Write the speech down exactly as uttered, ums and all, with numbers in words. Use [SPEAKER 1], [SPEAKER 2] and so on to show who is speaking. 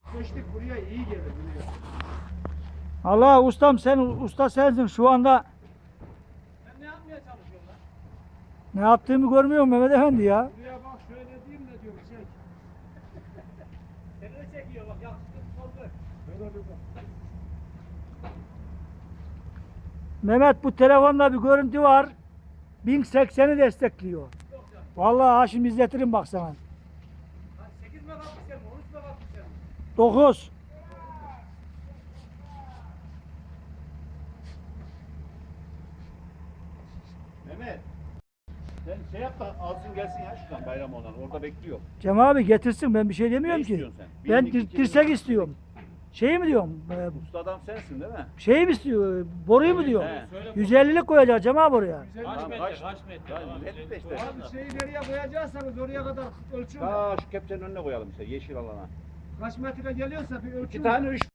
[SPEAKER 1] Köştük buraya iyi gelir buraya.
[SPEAKER 2] Allah ustam sen usta sensin şu anda.
[SPEAKER 1] Sen ne yapmaya çalışıyorsun lan?
[SPEAKER 2] Ne yaptığımı görmüyor musun Mehmet Efendi ya?
[SPEAKER 1] Buraya bak şöyle diyeyim de diyor çek. Seni de çekiyor bak yakışıklı sordu. Şöyle bir bak.
[SPEAKER 2] Mehmet bu telefonda bir görüntü var. bin sekseni destekliyor. Vallahi ha şimdi izletirim bak sana.
[SPEAKER 1] sekiz megapiksel mi? on üç megapiksel mi?
[SPEAKER 2] dokuz.
[SPEAKER 3] Mehmet. Sen şey yap da alsın gelsin ya şuradan bayram olan. Orada bekliyor.
[SPEAKER 2] Cem abi getirsin ben bir şey demiyorum
[SPEAKER 3] Ne
[SPEAKER 2] ki.
[SPEAKER 3] istiyorsun sen?
[SPEAKER 2] Ben
[SPEAKER 3] Bir,
[SPEAKER 2] dir-
[SPEAKER 3] iki,
[SPEAKER 2] dirsek
[SPEAKER 3] iki.
[SPEAKER 2] istiyorum. Şey mi diyorum? E,
[SPEAKER 3] Usta adam sensin değil mi?
[SPEAKER 2] şey mi istiyor? Boruyu mu diyorum?
[SPEAKER 3] He.
[SPEAKER 2] yüz ellilik koyacak Cem abi oraya.
[SPEAKER 1] Güzel
[SPEAKER 3] Kaç
[SPEAKER 1] bir-
[SPEAKER 3] metre? Kaç metre? Kaç metre işte.
[SPEAKER 1] Abi şeyi nereye koyacaksanız oraya kadar ölçün.
[SPEAKER 3] Ta şu kepçenin önüne koyalım işte yeşil alana.
[SPEAKER 1] Kaç metre geliyorsa bir ölçün.
[SPEAKER 3] İki tane üç